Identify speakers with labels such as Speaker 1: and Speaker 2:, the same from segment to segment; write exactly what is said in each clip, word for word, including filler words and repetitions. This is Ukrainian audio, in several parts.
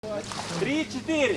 Speaker 1: Три, чотири.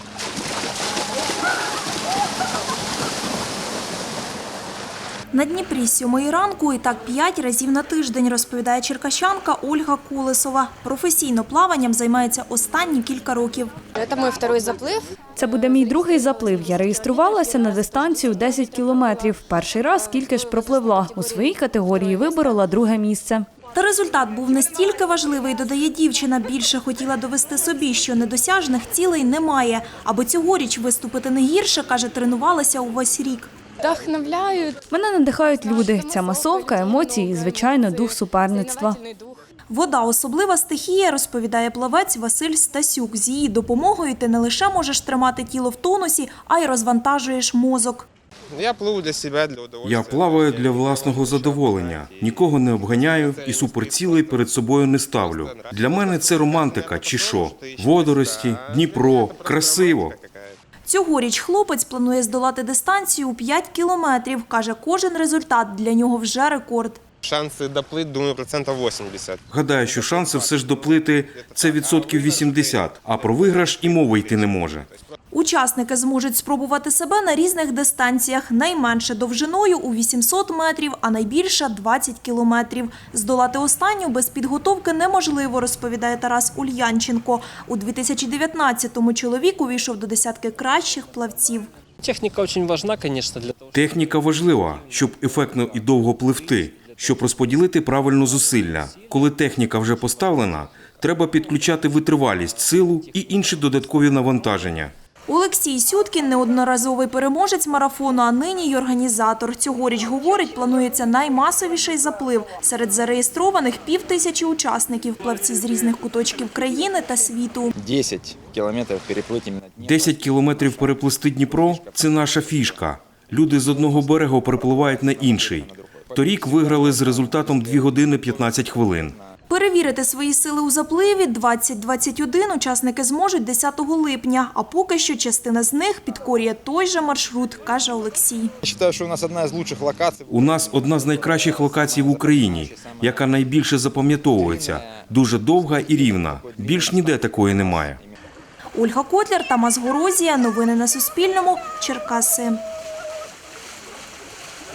Speaker 2: На Дніпрі з сьомої ранку і так п'ять разів на тиждень, розповідає черкащанка Ольга Кулесова. Професійно плаванням займається останні кілька років.
Speaker 3: Це мій другий заплив.
Speaker 4: Це буде мій другий заплив. Я реєструвалася на дистанцію десять кілометрів. Перший раз скільки ж пропливла. У своїй категорії виборола друге місце.
Speaker 2: Та результат був настільки важливий, додає дівчина. Більше хотіла довести собі, що недосяжних цілей немає. Аби цьогоріч виступити не гірше, каже, тренувалася увесь рік.
Speaker 3: Вдохновляють.
Speaker 4: Мене надихають люди. Ця масовка, емоції і, звичайно, дух суперництва.
Speaker 2: Вода – особлива стихія, розповідає плавець Василь Стасюк. З її допомогою ти не лише можеш тримати тіло в тонусі, а й розвантажуєш мозок.
Speaker 5: Я пливу для себе, для удовольствия.
Speaker 6: Я плаваю для власного задоволення. Нікого не обганяю і суперцілей перед собою не ставлю. Для мене це романтика чи що. Водорості, Дніпро, красиво.
Speaker 2: Цьогоріч хлопець планує здолати дистанцію у п'ять кілометрів. Каже, кожен результат для нього вже рекорд.
Speaker 5: Шанси доплити, думаю, процентів вісімдесят.
Speaker 6: Гадаю, що шанси все ж доплити – це відсотків вісімдесят, а про виграш і мови йти не може.
Speaker 2: Учасники зможуть спробувати себе на різних дистанціях. Найменше довжиною у вісімсот метрів, а найбільша – двадцять кілометрів. Здолати останню без підготовки неможливо, розповідає Тарас Ульянченко. У дві тисячі дев'ятнадцятому чоловік увійшов до десятки кращих плавців.
Speaker 7: Техніка дуже важлива, звісно, для того.
Speaker 6: Техніка важлива, щоб ефектно і довго пливти, щоб розподілити правильно зусилля. Коли техніка вже поставлена, треба підключати витривалість, силу і інші додаткові навантаження.
Speaker 2: Олексій Сюткін – неодноразовий переможець марафону, а нині й організатор. Цьогоріч, говорить, планується наймасовіший заплив. Серед зареєстрованих – пів тисячі учасників, плавці з різних куточків країни та світу.
Speaker 8: десять кілометрів переплити.
Speaker 6: десять кілометрів переплисти Дніпро – це наша фішка. Люди з одного берегу перепливають на інший. Торік виграли з результатом дві години п'ятнадцять хвилин.
Speaker 2: Перевірити свої сили у запливі двадцять двадцять один учасники зможуть десятого липня, а поки що частина з них підкорює той же маршрут, каже Олексій.
Speaker 8: Я вважаю, що у нас одна з кращих локацій.
Speaker 6: У нас одна з найкращих локацій в Україні, яка найбільше запам'ятовується. Дуже довга і рівна. Більш ніде такої немає.
Speaker 2: Ольга Котляр, Тамас Горозія. Новини на Суспільному. Черкаси.